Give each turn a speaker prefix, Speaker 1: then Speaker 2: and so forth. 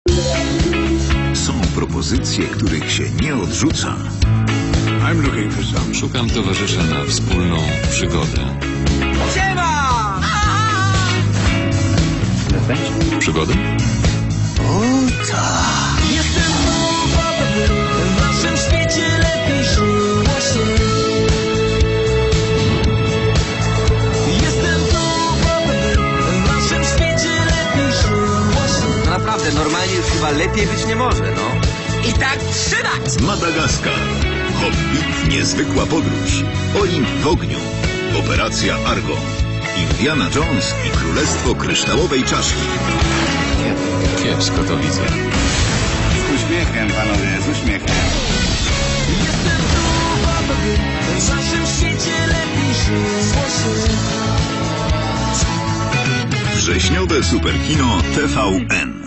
Speaker 1: Są propozycje, których się nie odrzuca.
Speaker 2: Szukam towarzysza na wspólną przygodę.
Speaker 3: Siema!
Speaker 2: Przygodę?
Speaker 3: Jestem tu, aby w naszym świecie lepiej żyło się. Jestem tu, aby w naszym świecie lepiej żyło się.
Speaker 4: No naprawdę, normalnie już chyba lepiej być nie może, no.
Speaker 3: I tak trzymać!
Speaker 1: Madagaskar. Hobbit, niezwykła podróż. Olimp w ogniu. Operacja Argo. Indiana Jones i Królestwo Kryształowej Czaszki.
Speaker 2: Kiepsko to widzę.
Speaker 5: Z uśmiechem, panowie, z uśmiechem.
Speaker 3: Jestem tu, aby w naszym świecie lepiej żyło się.
Speaker 1: Wrześniowe superkino TVN.